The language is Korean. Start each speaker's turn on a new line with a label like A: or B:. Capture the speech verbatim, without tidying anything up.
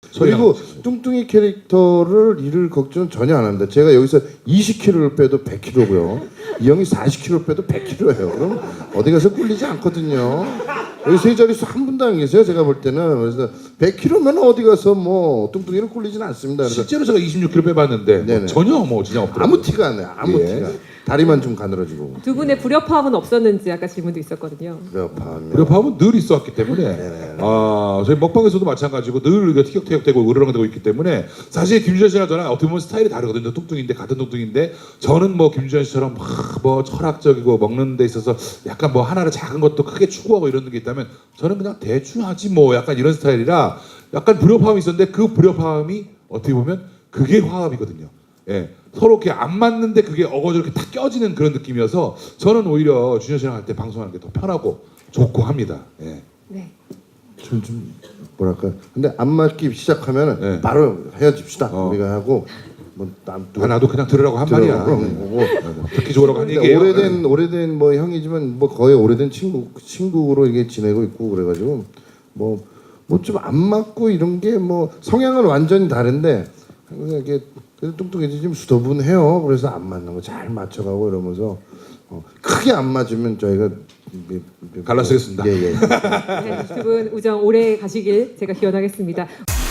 A: 그리고 뚱뚱이 캐릭터를 이를 걱정은 전혀 안 합니다. 제가 여기서 이십 킬로그램을 빼도 백 킬로그램고요. 이 형이 사십 킬로그램을 빼도 백 킬로그램예요. 그럼 어디 가서 꿀리지 않거든요. 여기 세 자릿수 한 분도 안 계세요. 제가 볼 때는. 그래서 백 킬로그램면 어디 가서 뭐 뚱뚱이를 꿀리지는 않습니다. 그래서
B: 실제로 제가 이십육 킬로그램 빼봤는데 뭐 전혀 뭐 지장 없더라고요.
A: 아무 티가 안 나요. 아무
B: 예.
A: 티가. 다리만 좀 가늘어지고.
C: 두 분의 불협화음은 없었는지 아까 질문도 있었거든요.
A: 불협화음.
B: 불협화음은 늘 있었기 때문에 아 저희 먹방에서도 마찬가지고 늘 이게 티격태격되고 으르렁대고 있기 때문에 사실 김준현 씨랑 저랑 어떻게 보면 스타일이 다르거든요. 뚱뚱인데 같은 뚱뚱인데 저는 뭐 김준현 씨처럼 막 뭐 철학적이고 먹는 데 있어서 약간 뭐 하나를 작은 것도 크게 추구하고 이런 게 있다면 저는 그냥 대충 하지 뭐 약간 이런 스타일이라 약간 불협화음이 있었는데 그 불협화음이 어떻게 보면 그게 화합이거든요. 예, 서로 이렇게 안 맞는데 그게 어거저 이렇게 탁 껴지는 그런 느낌이어서 저는 오히려 준현 씨랑 할 때 방송하는 게 더 편하고 좋고 합니다. 예.
C: 네.
A: 좀, 좀 뭐랄까. 근데 안 맞기 시작하면은
B: 네.
A: 바로 헤어집시다.
B: 어.
A: 우리가 하고 뭐남
B: 아, 나도 그냥 들으라고 한 말이야.
A: 거고.
B: 듣기 좋으라고 한 얘기예요.
A: 오래된 오래된 뭐 형이지만 뭐 거의 오래된 친구 친구로 이게 지내고 있고 그래가지고 뭐 뭐 좀 안 맞고 이런 게 뭐 성향은 완전히 다른데 그냥 이게 그래도 뚱뚱해지 좀 수더분해요. 그래서 안 맞는 거 잘 맞춰가고 이러면서 어, 크게 안 맞으면 저희가
B: 갈라쓰겠습니다.
A: 예, 예.
C: 네, 두 분 우정 오래 가시길 제가 기원하겠습니다.